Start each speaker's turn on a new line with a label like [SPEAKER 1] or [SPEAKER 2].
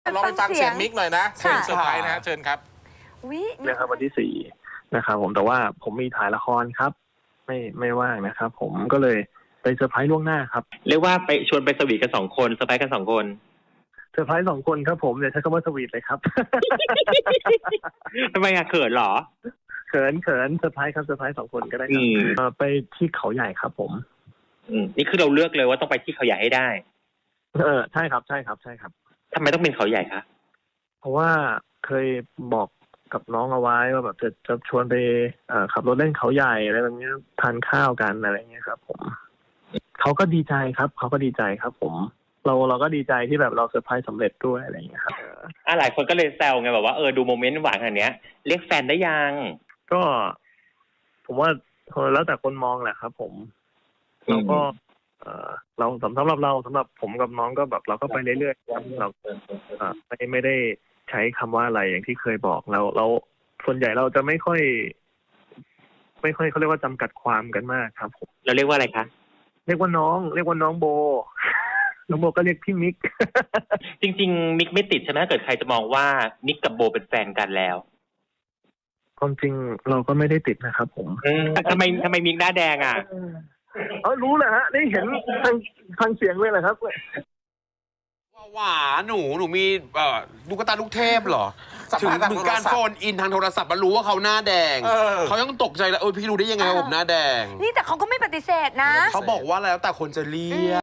[SPEAKER 1] ลองไปฟังเสียงมิกหน่อยนะเชิญเซอร์ไพรส์นะเชิญครับ
[SPEAKER 2] นะครับวันที่4นะครับผมแต่ว่าผมมีถ่ายละครครับไม่ว่างนะครับผมก็เลยไปเซอร์ไพรส์ล่วงหน้าครับ
[SPEAKER 3] เรียกว่าไปชวนไปสวีทกัน2 คนเซอร์ไพรส์กัน2 คน
[SPEAKER 2] เซอร์ไพรส์2 คนครับผมอย่าใช้คำว่าสวีทเลยครับ
[SPEAKER 3] ทำไมอะเขินเหรอ
[SPEAKER 2] เขินเซอร์ไพรส์ครับเซอร์ไพรส์2 คนก็ได้ครับไปที่เขาใหญ่ครับผม
[SPEAKER 3] นี่คือเราเลือกเลยว่าต้องไปที่เขาใหญ่ให้ได้
[SPEAKER 2] ใช่ครับ
[SPEAKER 3] ทำไมต้องเป็นเขาใหญ่คะ
[SPEAKER 2] เพราะว่าเคยบอกกับน้องเอาไว้ว่าแบบจะชวนไปขับรถเล่นเขาใหญ่อะไรแบบนี้ทานข้าวกันอะไรเงี้ยครับผมเขาก็ดีใจครับผมเราก็ดีใจที่แบบเราเซอร์ไพรส์สำเร็จด้วยอะไรอย่างเงี้ยครับ
[SPEAKER 3] หลายคนก็เลยแซวไงแบบว่าดูโมเมนต์หวานขนาดนี้เรียกแฟนได้ยัง
[SPEAKER 2] ก็ผมว่าแล้วแต่คนมองแหละครับผมเราก็เราสำหรับผมกับน้องก็แบบเราก็ไปเรื่อยๆครับเราไม่ได้ใช้คำว่าอะไรอย่างที่เคยบอกเราส่วนใหญ่เราจะไม่ค่อยเขาเรียกว่าจำกัดความกันมากครับผม
[SPEAKER 3] เราเรียกว่าอะไรคะ
[SPEAKER 2] เรียกว่าน้องโบ น้องโบก็เรียกพี่มิก
[SPEAKER 3] จริงๆมิกไม่ติดใช่ไหมเกิดใครจะมองว่ามิกกับโบเป็นแฟนกันแล้ว
[SPEAKER 2] ความจริงเราก็ไม่ได้ติดนะครับผม
[SPEAKER 3] ทำไมมิกหน้าแดงอ่ะ
[SPEAKER 2] รู้แหละฮะได้เห็นทางเสียงเลยแหละครับ
[SPEAKER 1] หวาหนูมีลูกตาลูกเทพเหรอถึงการโฟนอินทางโทรศัพท์มารู้ว่าเขาหน้าแดงเขายังตกใจแล้วพี่รู้ได้ยังไงว่าผมหน้าแดง
[SPEAKER 4] นี่แต่เขาก็ไม่ปฏิเสธนะ
[SPEAKER 1] เขาบอกว่าแล้วแต่คนจะเรียก